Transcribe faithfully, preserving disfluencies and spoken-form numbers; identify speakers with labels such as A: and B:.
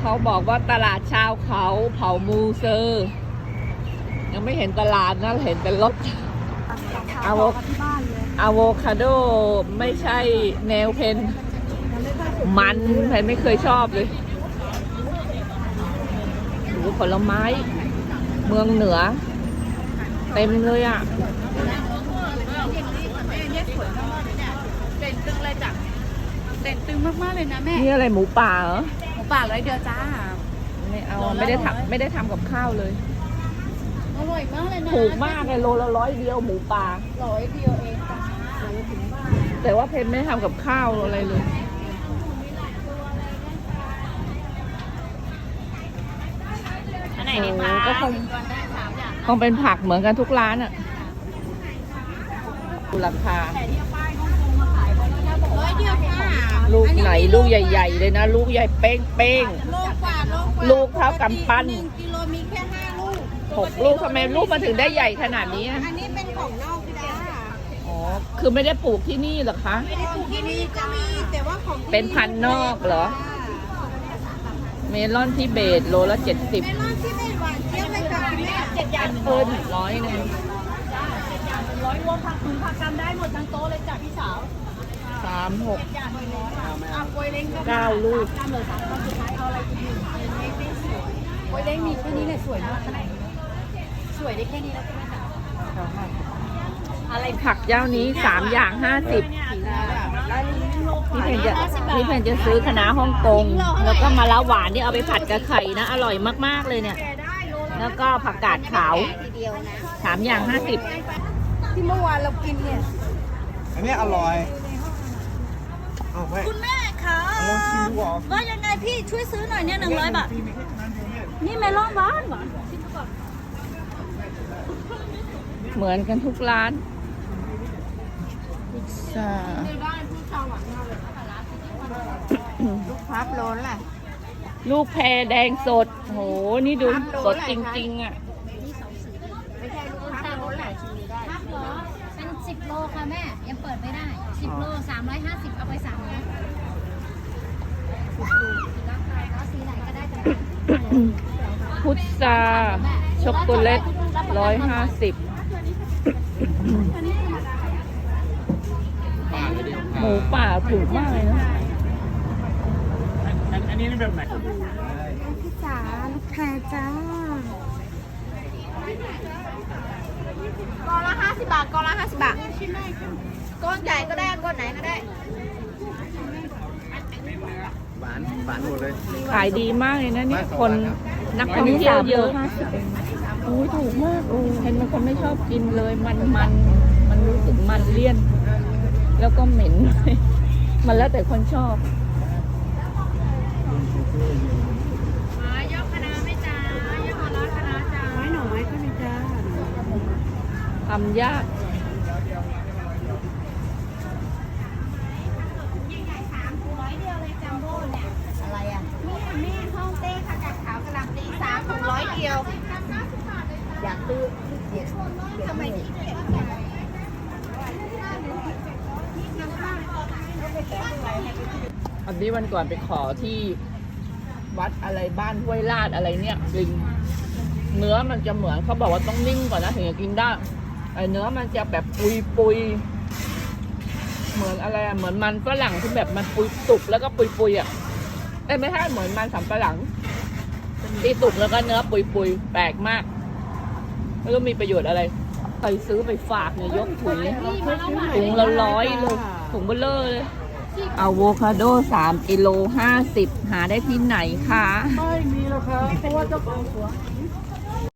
A: เขาบอกว่าตลาดชาวเขาเผ่ามูเซอร์ยังไม่เห็นตลาดนะเห็นแต่รถอะโวอะโวคาโดไม่ใช่แนวเพนมันเพนไม่เคยชอบเลยดูผลไม้เมืองเหนือเต็มเลยอ่ะ
B: เด่นตึงเลยจ้ะเด่นตึงมากๆเลยนะแม่
A: นี่อะไรหมูป่าเหรอ
B: หมูป่าร้อยเดียวจ้า
A: ไม่เอาไม่ได้ทำไม่ได้ทำกับข้าวเลย
B: อร่อยมากเลยนะ
A: ถูกมากเลยโลละร้อยเดียวหมูป่า
B: ร้อยเดียวเองจ้าถึงบ้าน
A: แต่ว่าเพนไม่ได้ทำกับข้าวอะไรเลย
B: อันไหนดีคะ
A: ก็คงคงเป็นผักเหมือนกันทุกร้านอ่ะดูราคา
B: ร้อยเดียวค่ะ
A: ลูกไหนลูกใหญ่ ๆ เลยนะ ลูกใหญ่เป้งเป้ง
B: โลกกว่าโลกกว่า
A: ลูกเท่ากำปั้น
B: หนึ่งกิโลมีแค่ห้าลูก
A: หกลูกทำไมลูกมาถึงได้ใหญ่ขนาดนี้อะ
B: อันนี้เป็นของนอกจ้า
A: อ๋อคือไม่ได้ปลูกที่นี่เหรอคะ
B: ไม่ได้ปลูกที่นี่ก็มีแต่ว่าของที่
A: เป็นพันธุ์นอกเหรอ เมลอนที่เบสโลละเจ็ดสิบ
B: เมลอนที่ไม่หวานเจี๊ยบเลยค่ะคุณแม่เจ็ดอย่าง
A: เพิ่นร้อยหนึ่ง
B: ร้อยรวมผักคุณผักกำได้หมดทั้งโต๊ะเลยจ้ะพี่สาว
A: สามหก
B: อ่ะกล้วยเล้งก็
A: เก้าลูก
B: กำเลยสามสุดท้ายเอาอะไรกินกล้วยเล้งมีแค่นี้เลยสวยมากขนาดนี้สวยได้แค่นี้แล้วใช่ไหมคะอะไร
A: ผักเจ้านี้สามอย่างห้าสิบพี่เพนจะพี่เพนจะซื้อคะน้าฮ่องกงแล้วก็มะละหวานที่เอาไปผัดกับไข่นะ อร่อยมากๆเลยเนี่ย แล้วก็ผักกาดขาว
B: ทีเดียวนะ
A: สามอย่างห้าสิบ
B: ที่เมื่อวานเรากินเนี่ย
C: อันนี้อร่อย เอาไป
B: คุณแม่คะ
C: ลองชิมดูก่อน
B: ว่ายังไงพี่ช่วยซื้อหน่อยเนี่ยหนึ่งร้อยบาทนี่เมลอนหวานหวาน
A: เหมือนกันทุกร้านพิซซ่า
B: ลูกพับโลนแหละ
A: ลูกแพรแดงสดโหนี่ดูสดจริงๆอ่ะ
B: ไม่ใช่ลูกพับโลนแหละชิมได้
D: ครับเหรอเป็นสิบโลค่ะแม่ ยังเปิดไม่ได้สิบโลสามร้อยห้าสิบเอาไปสามร้อยราคาก็สีไหนก็ได้แต่
A: พุทราช็อกโกแลตร้อยห้าสิบหมูป่าถูกมากเลยนะ
C: อันนี้แบบไหน
B: พี่จ๋าลูกแพรจ้ากอละห้าสิบบาทกอละห้าสิบบาทก้อนใหญ่ก็ได้ก้อนไหนก็ได้
C: หวานหวานหมดเลย
A: ขายดีมากเลยนะเนี่ยคนนักท่องเที่ยวเยอะโอ้ยถูกมากโอ้เห็นมันคนไม่ชอบกินเลยมันมันมันรู้สึกมันเลี่ยน แล้วก็เหม็น มันแล้วแต่คนชอบ
D: ยกคณะไม่จ้ายกคณะคณะจ้า
B: ไม้หน่อไม้ก็มีจ้า
A: ทำยาก
B: อะไรอ่ะแม่แม่ห้องเต้ค่ะกัดขาวกระลำตีสามถุงร้อยเดียว อยากซื้อเดี๋ยวทำไมถึงเก็บ
A: อันนี้วันก่อนไปขอที่วัดอะไรบ้านห้วยลาดอะไรเนี่ยจริงเนื้อมันจะเหมือนเขาบอกว่าต้องนิ่งก่อนนะถึงจะกินได้ไอเนื้อมันจะแบบปุยปุยเหมือนอะไรอะเหมือนมันฝรั่งที่แบบมันปุยสุกแล้วก็ปุยปุยอ่ะเอ้ยไม่ใช่เหมือนมันสำปะหลังที่สุกแล้วก็เนื้อปุยปุยแปลกมากไม่รู้มีประโยชน์อะไรใครซื้อไปฝากเนี่ยยกถุงถุงละร้อยเลยถุงเบลเลอร์เลยอะโวคาโดสามกิโลห้าสิบหาได้ที่ไหนคะ
C: ไม่มีแล้วครับเพราะว่าเจ้าของสวน